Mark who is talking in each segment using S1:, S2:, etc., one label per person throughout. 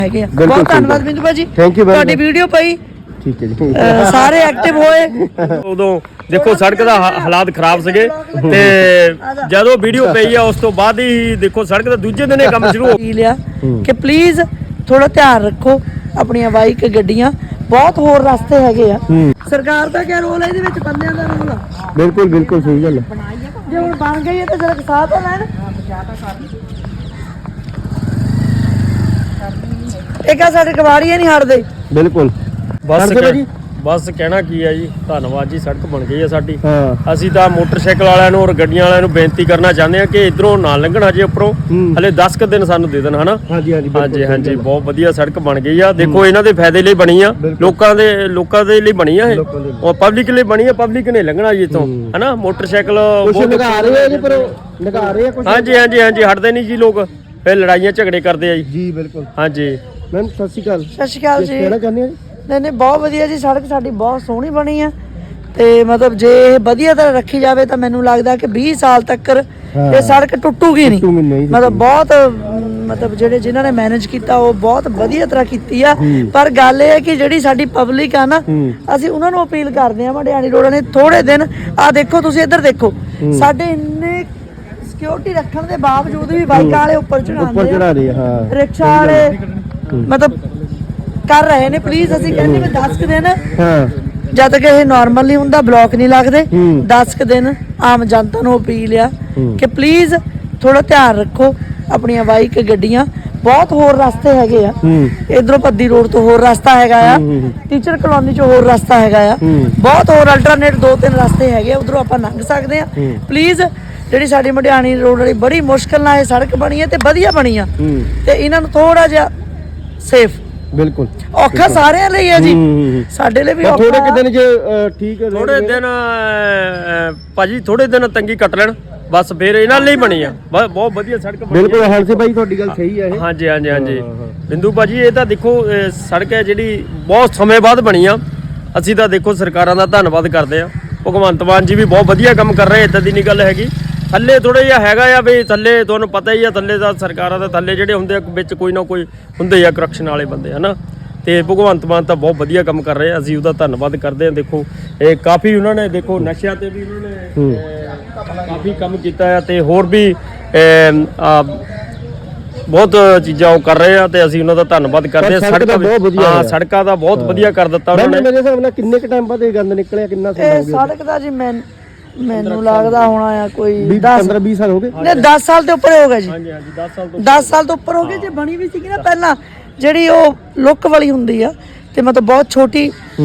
S1: ਹੈਗੇ ਆ। ਬਹੁਤ ਧੰਨਵਾਦ ਬਿੰਦੂ ਭਾਜੀ, ਤੁਹਾਡੀ ਵੀਡੀਓ ਪਈ।
S2: ਠੀਕ ਹੈ ਜੀ,
S1: ਸਾਰੇ ਐਕਟਿਵ ਹੋਏ।
S3: ਉਦੋਂ ਦੇਖੋ ਸੜਕ ਦਾ ਹਾਲਾਤ ਖਰਾਬ ਸੀਗੇ ਤੇ ਜਦੋਂ ਵੀਡੀਓ ਪਈ ਆ ਉਸ ਤੋਂ ਬਾਅਦ ਹੀ ਦੇਖੋ ਸੜਕ ਦਾ ਦੂਜੇ ਦਿਨ ਇਹ ਕੰਮ ਸ਼ੁਰੂ ਹੋ
S1: ਲਿਆ ਕਿ ਪਲੀਜ਼ ਥੋੜਾ ਧਿਆਨ ਰੱਖੋ ਆਪਣੀਆਂ ਬਾਈਕ ਗੱਡੀਆਂ। ਬਹੁਤ ਹੋਰ ਰਸਤੇ ਹੈਗੇ ਆ। ਸਰਕਾਰ ਦਾ ਕੀ ਰੋਲ ਹੈ ਇਹਦੇ ਵਿੱਚ? ਬੰਦਿਆਂ ਦਾ ਰੋਲ ਆ।
S2: ਬਿਲਕੁਲ ਬਿਲਕੁਲ ਸਹੀ ਗੱਲ ਹੈ।
S1: ਜੇ ਹੁਣ ਬਣ ਗਈ ਹੈ ਤਾਂ ਜਰਾ ਸਾਹ ਤਾਂ ਲੈਣ। ਇਹ ਕਾ ਸਾਡੇ ਕਵਾੜੀਏ ਨਹੀਂ ਹਟਦੇ।
S2: ਬਿਲਕੁਲ
S3: ਬਸ ਕਹਿਣਾ ਕੀ ਹੈ ਜੀ, ਧੰਨਵਾਦ ਜੀ। ਸੜਕ ਬਣ ਗਈ ਹੈ ਸਾਡੀ।
S2: ਹਾਂ,
S3: ਅਸੀਂ ਤਾਂ ਮੋਟਰਸਾਈਕਲ ਵਾਲਿਆਂ ਨੂੰ ਔਰ ਗੱਡੀਆਂ ਵਾਲਿਆਂ ਨੂੰ ਬੇਨਤੀ ਕਰਨਾ ਚਾਹੁੰਦੇ ਹਾਂ ਕਿ ਇਧਰੋਂ ਨਾ ਲੰਘਣਾ ਜੇ ਉੱਪਰੋਂ ਹਲੇ 10 ਕੁ ਦਿਨ ਸਾਨੂੰ ਦੇ ਦੇਣ ਹਨਾ।
S2: ਹਾਂਜੀ ਹਾਂਜੀ
S3: ਹਾਂਜੀ ਹਾਂਜੀ, ਬਹੁਤ ਵਧੀਆ ਸੜਕ ਬਣ ਗਈ ਆ। ਦੇਖੋ ਇਹਨਾਂ ਦੇ ਫਾਇਦੇ ਲਈ ਬਣੀ ਆ, ਲੋਕਾਂ ਦੇ ਲਈ ਬਣੀ ਆ। ਇਹ ਔਰ ਪਬਲਿਕ ਲਈ ਬਣੀ ਆ। ਪਬਲਿਕ ਨੇ ਲੰਘਣਾ ਜੀ ਇੱਥੋਂ ਹਨਾ। ਮੋਟਰਸਾਈਕਲ
S2: ਲਗਾ ਰਹੇ ਆ ਜੀ, ਪਰ ਲਗਾ ਰਹੇ ਆ ਕੁਝ।
S3: ਹਾਂਜੀ ਹਾਂਜੀ ਹਾਂਜੀ, ਹਟਦੇ ਨਹੀਂ ਜੀ ਲੋਕ, ਫਿਰ ਲੜਾਈਆਂ ਝਗੜੇ ਕਰਦੇ ਆ ਜੀ।
S2: ਜੀ ਬਿਲਕੁਲ।
S3: ਹਾਂਜੀ
S2: ਮੈਮ ਸਤਿ ਸ਼੍ਰੀ ਅਕਾਲ।
S1: ਸਤਿ ਸ਼੍ਰੀ ਅਕਾਲ ਜੀ।
S2: ਕਹਿਣਾ ਚਾਹੁੰਦੇ ਆ ਜੀ?
S1: ਨਹੀਂ ਬਹੁਤ ਵਧੀਆ ਜੀ, ਸੜਕ ਸਾਡੀ ਬਹੁਤ ਸੋਹਣੀ ਬਣੀ ਆ ਤੇ ਮਤਲਬ ਜੇ ਇਹ ਵਧੀਆ ਤਰ੍ਹਾਂ ਰੱਖੀ ਜਾਵੇ ਤਾਂ ਮੈਨੂੰ ਲੱਗਦਾ ਕਿ 20 ਸਾਲ ਤੱਕ ਇਹ ਸੜਕ ਟੁੱਟੂਗੀ ਨਹੀਂ। ਮਤਲਬ ਬਹੁਤ ਮਤਲਬ ਜਿਨ੍ਹਾਂ ਨੇ ਮੈਨੇਜ ਕੀਤਾ ਉਹ ਬਹੁਤ ਵਧੀਆ ਤਰ੍ਹਾਂ ਕੀਤੀ ਆ। ਪਰ ਗੱਲ ਇਹ ਹੈ ਕਿ ਜਿਹੜੀ ਸਾਡੀ ਪਬਲਿਕ ਆ ਨਾ, ਅਸੀਂ ਉਹਨਾਂ ਨੂੰ ਅਪੀਲ ਕਰਦੇ ਆ ਮਢਿਆਣੀ ਰੋਡ ਨੇ ਥੋੜੇ ਦਿਨ ਆ ਦੇਖੋ ਤੁਸੀਂ ਇੱਧਰ ਦੇਖੋ, ਸਾਡੇ ਇੰਨੇ ਸਿਕਿਉਰਿਟੀ ਰੱਖਣ ਦੇ ਬਾਵਜੂਦ ਵੀ ਬਾਈਕਾਂ ਵਾਲੇ ਉੱਪਰ ਚੜਾਉਂਦੇ ਆ, ਰਿਕਸ਼ਾ ਵਾਲੇ ਮਤਲਬ ਕਰ ਰਹੇ ਨੇ। ਪਲੀਜ਼ ਅਸੀਂ ਕਹਿੰਦੇ ਵੀ 10 ਕੁ ਦਿਨ ਜਦ ਤੱਕ ਇਹ ਨਾਰਮਲ ਨਹੀਂ ਹੁੰਦਾ, ਬਲੌਕ ਨਹੀਂ ਲੱਗਦੇ, 10 ਕੁ ਦਿਨ ਆਮ ਜਨਤਾ ਨੂੰ ਅਪੀਲ ਆ ਕਿ ਪਲੀਜ਼ ਥੋੜਾ ਧਿਆਨ ਰੱਖੋ ਆਪਣੀਆਂ ਬਾਈਕ ਗੱਡੀਆਂ। ਬਹੁਤ ਹੋਰ ਰਸਤੇ ਹੈਗੇ ਆ। ਇਧਰੋਂ ਪੱਦੀ ਰੋਡ ਤੋਂ ਹੋਰ ਰਸਤਾ ਹੈਗਾ ਆ, ਟੀਚਰ ਕਲੋਨੀ ਚੋਂ ਹੋਰ ਰਸਤਾ ਹੈਗਾ ਆ। ਬਹੁਤ ਹੋਰ ਅਲਟਰਨੇਟ 2-3 ਰਸਤੇ ਹੈਗੇ, ਉਧਰੋਂ ਆਪਾਂ ਲੰਘ ਸਕਦੇ ਆ। ਪਲੀਜ਼ ਜਿਹੜੀ ਸਾਡੀ ਮਢਿਆਣੀ ਰੋਡ ਵਾਲੀ ਬੜੀ ਮੁਸ਼ਕਲ ਨਾਲ ਇਹ ਸੜਕ ਬਣੀ ਹੈ ਤੇ ਵਧੀਆ ਬਣੀ ਆ, ਤੇ ਇਹਨਾਂ ਨੂੰ ਥੋੜਾ ਜਿਹਾ ਸੇਫ।
S2: ਬਿਲਕੁਲ
S1: ਔਖਾ ਸਾਰਿਆਂ ਲਈ ਹੈ ਜੀ, ਸਾਡੇ ਲਈ ਵੀ ਔਖਾ।
S2: ਥੋੜੇ ਕਿ ਦਿਨ ਜੇ ਠੀਕ ਹੈ,
S3: ਥੋੜੇ ਦਿਨ ਭਾਜੀ ਥੋੜੇ ਦਿਨ ਤੰਗੀ ਕੱਟ ਲੈਣ ਬਸ, ਫਿਰ ਇਹਨਾਂ ਲਈ ਬਣੀ ਆ। ਬਹੁਤ ਵਧੀਆ ਸੜਕ ਬਣੀ।
S2: ਬਿਲਕੁਲ ਹਰਸੇ ਭਾਈ ਤੁਹਾਡੀ ਗੱਲ ਸਹੀ ਹੈ ਇਹ।
S3: ਹਾਂਜੀ ਹਾਂਜੀ ਹਾਂਜੀ ਬਿੰਦੂ ਭਾਜੀ, ਇਹ ਤਾਂ ਦੇਖੋ ਸੜਕ ਹੈ ਜਿਹੜੀ ਬਹੁਤ ਸਮੇਂ ਬਾਅਦ ਬਣੀ ਆ। ਅਸੀਂ ਤਾਂ ਦੇਖੋ ਸਰਕਾਰਾਂ ਦਾ ਧੰਨਵਾਦ ਕਰਦੇ ਆ। ਭਗਵੰਤ ਮਾਨ ਜੀ ਵੀ ਬਹੁਤ ਵਧੀਆ ਕੰਮ ਕਰ ਰਹੇ, ਇਦਾਂ ਦੀ ਨਹੀਂ ਗੱਲ ਹੈਗੀ। ਥੱਲੇ ਥੋੜਾ ਜਿਹਾ ਹੈਗਾ ਆ ਵੀ ਥੱਲੇ ਤੁਹਾਨੂੰ ਪਤਾ ਹੀ ਆ, ਥੱਲੇ ਦਾ ਸਰਕਾਰਾਂ ਦੇ ਥੱਲੇ ਜਿਹੜੇ ਹੁੰਦੇ ਆ ਵਿੱਚ ਕੋਈ ਨਾ ਕੋਈ ਹੁੰਦੇ ਆ ਕਰਪਸ਼ਨ ਵਾਲੇ ਬੰਦੇ ਹਨਾ। ਤੇ ਭਗਵੰਤ ਮਾਨ ਤਾਂ ਬਹੁਤ ਵਧੀਆ ਕੰਮ ਕਰ ਰਹੇ ਆ, ਅਸੀਂ ਉਹਦਾ ਧੰਨਵਾਦ ਕਰਦੇ ਆ। ਦੇਖੋ ਇਹ ਕਾਫੀ ਉਹਨਾਂ ਨੇ ਦੇਖੋ ਨਸ਼ਿਆਂ ਤੇ ਵੀ ਉਹਨਾਂ ਨੇ ਕਾਫੀ ਕੰਮ ਕੀਤਾ ਆ, ਤੇ ਹੋਰ ਵੀ ਬਹੁਤ ਚੀਜ਼ਾਂ ਉਹ ਕਰ ਰਹੇ ਆ, ਤੇ ਅਸੀਂ ਉਹਨਾਂ ਦਾ ਧੰਨਵਾਦ ਕਰਦੇ ਆ। ਸੜਕਾਂ ਦਾ ਬਹੁਤ ਵਧੀਆ ਕਰ ਦਿੱਤਾ ਉਹਨਾਂ ਨੇ।
S2: ਮੇਰੇ ਹਿਸਾਬ ਨਾਲ ਕਿੰਨੇ ਕ ਟਾਈਮ ਬਾਅਦ ਇਹ ਗੰਦ ਨਿਕਲਿਆ? ਕਿੰਨਾ ਸਮਾਂ ਹੋ ਗਿਆ
S1: ਸੜਕ ਦਾ ਜੀ? ਮੈਨੂੰ ਲੱਗਦਾ ਹੋਣਾ ਆ ਕੋਈ
S2: 15-20 ਸਾਲ ਹੋ ਗਏ।
S1: ਨਹੀਂ 10 ਸਾਲ ਤੋਂ ਉੱਪਰ ਹੋ ਗਿਆ ਜੀ।
S3: ਹਾਂਜੀ ਹਾਂਜੀ
S1: 10 ਸਾਲ ਤੋਂ ਉੱਪਰ ਹੋ ਗਏ। ਜੇ ਬਣੀ ਵੀ ਸੀਗੀ ਨਾ ਪਹਿਲਾਂ ਜਿਹੜੀ ਉਹ ਲੁੱਕ ਵਾਲੀ ਹੁੰਦੀ ਆ, ਤੇ ਮਤਲਬ ਬਹੁਤ ਛੋਟੀ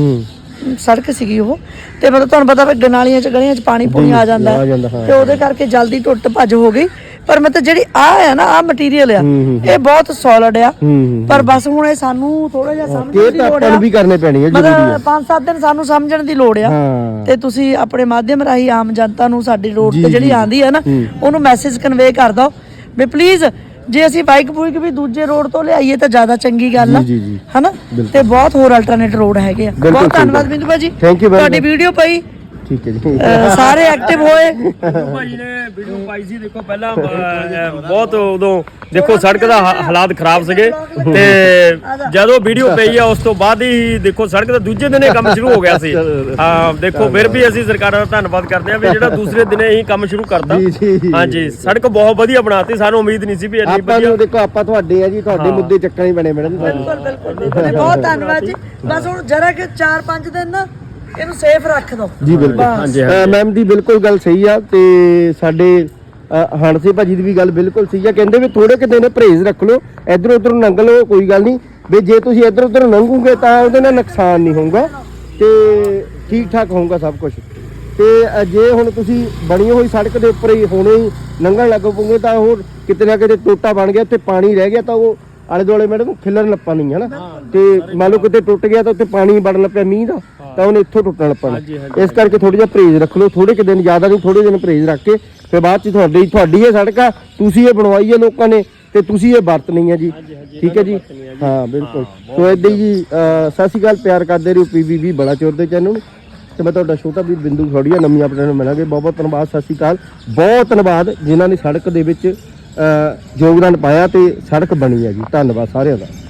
S1: ਸੜਕ ਸੀਗੀ ਉਹ, ਤੇ ਮਤਲਬ ਤੁਹਾਨੂੰ ਪਤਾ ਵੀ ਗਲੀਆਂ 'ਚ ਪਾਣੀ ਪੂਣੀ ਆ ਜਾਂਦਾ ਤੇ ਉਹਦੇ ਕਰਕੇ ਜਲਦੀ ਟੁੱਟ ਭੱਜ ਹੋ ਗਈ। ਪਰ ਮਤਲਬ ਜਿਹੜੀ ਆ ਨਾ ਆ ਮਟੀਰੀਅਲ ਆ, ਇਹ ਬਹੁਤ ਸੋਲਿਡ ਆ। ਪਰ ਬਸ ਹੁਣ ਇਹ ਸਾਨੂੰ ਥੋੜਾ ਜਿਹਾ ਸਮਝਣ ਦੀ ਲੋੜ ਆ,
S2: ਵੀ ਕਰਨੇ ਪੈਣੀ ਹੈ।
S1: ਮਤਲਬ 5-7 ਦਿਨ ਸਾਨੂੰ ਸਮਝਣ ਦੀ ਲੋੜ ਆ। ਤੇ ਤੁਸੀਂ ਆਪਣੇ ਮਾਧਿਅਮ ਰਾਹੀਂ ਆਮ ਜਨਤਾ ਨੂੰ ਸਾਡੀ ਰੋਡ ਤੇ ਜਿਹੜੀ ਆਂਦੀ ਹੈ ਨਾ, ਉਹਨੂੰ ਮੈਸੇਜ ਕਨਵੇ ਕਰ ਦਿਓ ਵੀ ਪਲੀਜ਼ ਜੇ ਅਸੀਂ ਬਾਈਕ ਬੂਈਕ ਵੀ ਦੂਜੇ ਰੋਡ ਤੋਂ ਲਿਆਈਏ ਤਾਂ ਜ਼ਿਆਦਾ ਚੰਗੀ ਗੱਲ ਆ ਹਨਾ। ਤੇ ਬਹੁਤ ਹੋਰ ਅਲਟਰਨੇਟ ਰੋਡ ਹੈਗੇ ਆ। ਬਹੁਤ ਧੰਨਵਾਦ ਬਿੰਦੂ ਭਾਜੀ, ਤੁਹਾਡੀ ਵੀਡੀਓ ਪਈ।
S2: ਠੀਕ ਹੈ ਜੀ,
S1: ਸਾਰੇ ਐਕਟਿਵ ਹੋਏ।
S3: ਭਾਜੀ ਨੇ ਵੀਡੀਓ ਪਾਈ ਸੀ, ਦੇਖੋ ਪਹਿਲਾਂ ਬਹੁਤ ਉਦੋਂ ਦੇਖੋ ਸੜਕ ਦਾ ਹਾਲਾਤ ਖਰਾਬ ਸੀਗੇ, ਤੇ ਜਦੋਂ ਵੀਡੀਓ ਪਈ ਆ ਉਸ ਤੋਂ ਬਾਅਦ ਹੀ ਦੇਖੋ ਸੜਕ ਦਾ ਦੂਜੇ ਦਿਨ ਇਹ ਕੰਮ ਸ਼ੁਰੂ ਹੋ ਗਿਆ ਸੀ। ਹਾਂ ਦੇਖੋ ਫਿਰ ਵੀ ਅਸੀਂ ਸਰਕਾਰਾਂ ਦਾ ਧੰਨਵਾਦ ਕਰਦੇ ਆ ਵੀ ਜਿਹੜਾ ਦੂਸਰੇ ਦਿਨੇ ਹੀ ਕੰਮ ਸ਼ੁਰੂ ਕਰਤਾ। ਹਾਂਜੀ ਸੜਕ ਬਹੁਤ ਵਧੀਆ ਬਣਾਤੀ, ਸਾਨੂੰ ਉਮੀਦ ਨਹੀਂ ਸੀ ਵੀ ਇੰਨੀ ਵਧੀਆ।
S2: ਦੇਖੋ ਆਪਾਂ ਤੁਹਾਡੇ ਆ ਜੀ, ਤੁਹਾਡੇ ਮੁੱਦੇ ਚੱਕਣ ਹੀ ਬਣੇ ਮੈਡਮ।
S1: ਬਿਲਕੁਲ ਬਹੁਤ ਧੰਨਵਾਦ ਜੀ। ਬਸ ਹੁਣ ਜਰਾ ਕਿ 4-5 ਦਿਨ ਨਾ ਇਹਨੂੰ ਸੇਫ ਰੱਖ ਦੋ
S2: ਜੀ। ਬਿਲਕੁਲ ਮੈਮ ਦੀ ਬਿਲਕੁਲ ਗੱਲ ਸਹੀ ਆ, ਤੇ ਸਾਡੇ ਹਣਸੇ ਭਾਜੀ ਦੀ ਵੀ ਗੱਲ ਬਿਲਕੁਲ ਸਹੀ ਆ। ਕਹਿੰਦੇ ਵੀ ਥੋੜੇ ਕਿ ਦਿਨ ਪਰਹੇਜ਼ ਰੱਖ ਲਓ, ਇੱਧਰ ਉੱਧਰ ਲੰਘ ਲਓ, ਕੋਈ ਗੱਲ ਨਹੀਂ ਵੀ ਜੇ ਤੁਸੀਂ ਇੱਧਰ ਉੱਧਰ ਲੰਘੋਗੇ ਤਾਂ ਉਹਦੇ ਨਾਲ ਨੁਕਸਾਨ ਨਹੀਂ ਹੋਊਗਾ ਤੇ ਠੀਕ ਠਾਕ ਹੋਊਗਾ ਸਭ ਕੁਝ। ਤੇ ਜੇ ਹੁਣ ਤੁਸੀਂ ਬਣੀ ਹੋਈ ਸੜਕ ਦੇ ਉੱਪਰ ਹੀ ਹੁਣੇ ਹੀ ਲੰਘਣ ਲੱਗ ਪਓਗੇ ਤਾਂ ਉਹ ਕਿਤੇ ਨਾ ਕਿਤੇ ਟੋਟਾ ਬਣ ਗਿਆ, ਉੱਥੇ ਪਾਣੀ ਰਹਿ ਗਿਆ ਤਾਂ ਉਹ ਆਲੇ ਦੁਆਲੇ ਮੈਡਮ ਖਿਲਰਨ ਲੱਪਾ ਨਹੀਂ ਹੈ ਨਾ। ਤੇ ਮੰਨ ਲਓ ਕਿਤੇ ਟੁੱਟ ਗਿਆ ਤਾਂ ਉੱਥੇ ਪਾਣੀ ਵੜਨ ਲੱਪਿਆ ਮੀਂਹ ਦਾ, ਤਾਂ ਉਹਨੇ ਇੱਥੋਂ ਟੁੱਟਣ ਲੱਪਣਾ। ਇਸ ਕਰਕੇ ਥੋੜਾ ਜਿਹਾ ਪਰਹੇਜ਼ ਰੱਖ ਲਓ, ਥੋੜੇ ਕਿ ਦਿਨ, ਜ਼ਿਆਦਾ ਨਹੀਂ, ਥੋੜੇ ਦਿਨ ਪਰਹੇਜ਼ ਰੱਖ ਕੇ ਫਿਰ ਬਾਅਦ ਚ ਤੁਹਾਡੀ ਇਹ ਸੜਕ ਆ, ਤੁਸੀਂ ਇਹ ਬਣਵਾਈ ਹੈ ਲੋਕਾਂ ਨੇ ਤੇ ਤੁਸੀਂ ਇਹ ਵਰਤਣੀ ਹੈ ਜੀ। ਠੀਕ ਹੈ ਜੀ, ਹਾਂ ਬਿਲਕੁਲ। ਸੋ ਏਦਾਂ ਹੀ ਜੀ, ਸਤਿ ਸ਼੍ਰੀ ਅਕਾਲ, ਪਿਆਰ ਕਰਦੇ ਰਹੋ PBB ਬੜਾ ਚੋਰ ਦੇ ਚੈਨਲ ਨੂੰ। ਤੇ ਮੈਂ ਤੁਹਾਡਾ ਛੋਟਾ ਵੀਰ ਬਿੰਦੂ ਖੋੜੀਆ, ਨਵੀਂ ਆਪਣੇ ਨੂੰ ਮਿਲਾਂਗੇ। ਬਹੁਤ ਬਹੁਤ ਧੰਨਵਾਦ, ਸਤਿ ਸ਼੍ਰੀ ਅਕਾਲ। ਬਹੁਤ ਧੰਨਵਾਦ ਜਿਨ੍ਹਾਂ ਨੇ ਸੜਕ ਦੇ ਵਿੱਚ ਯੋਗਦਾਨ ਪਾਇਆ ਤੇ ਸੜਕ ਬਣੀ ਹੈ ਜੀ। ਧੰਨਵਾਦ ਸਾਰਿਆਂ ਦਾ।